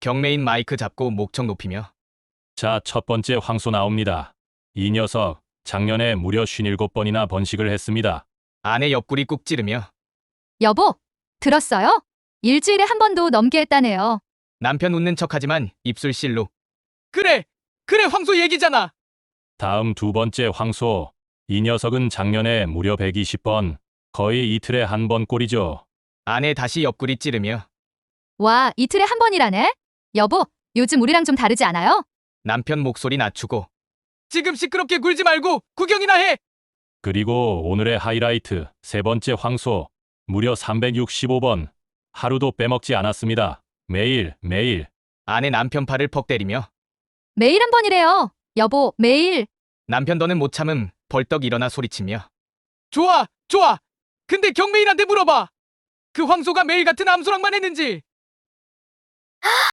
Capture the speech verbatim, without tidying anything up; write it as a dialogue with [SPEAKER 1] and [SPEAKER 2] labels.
[SPEAKER 1] 경매인 마이크 잡고 목청 높이며.
[SPEAKER 2] 자, 첫 번째 황소 나옵니다. 이 녀석 작년에 무려 쉰일곱 번이나 번식을 했습니다.
[SPEAKER 1] 아내 옆구리 꾹 찌르며.
[SPEAKER 3] 여보, 들었어요? 일주일에 한 번도 넘게 했다네요.
[SPEAKER 1] 남편 웃는 척하지만 입술 실룩. 그래! 그래 황소 얘기잖아!
[SPEAKER 2] 다음 두 번째 황소. 이 녀석은 작년에 무려 백이십 번, 거의 이틀에 한 번 꼴이죠.
[SPEAKER 1] 아내 다시 옆구리 찌르며.
[SPEAKER 3] 와, 이틀에 한 번이라네? 여보, 요즘 우리랑 좀 다르지 않아요?
[SPEAKER 1] 남편 목소리 낮추고. 지금 시끄럽게 굴지 말고 구경이나 해!
[SPEAKER 2] 그리고 오늘의 하이라이트, 세 번째 황소. 무려 삼백육십오 번. 하루도 빼먹지 않았습니다. 매일, 매일.
[SPEAKER 1] 아내 남편 팔을 퍽 때리며.
[SPEAKER 3] 매일 한 번이래요. 여보, 매일.
[SPEAKER 1] 남편 더는 못 참음 벌떡 일어나 소리치며. 좋아! 좋아! 근데 경매인한테 물어봐! 그 황소가 매일 같은 암소랑만 했는지!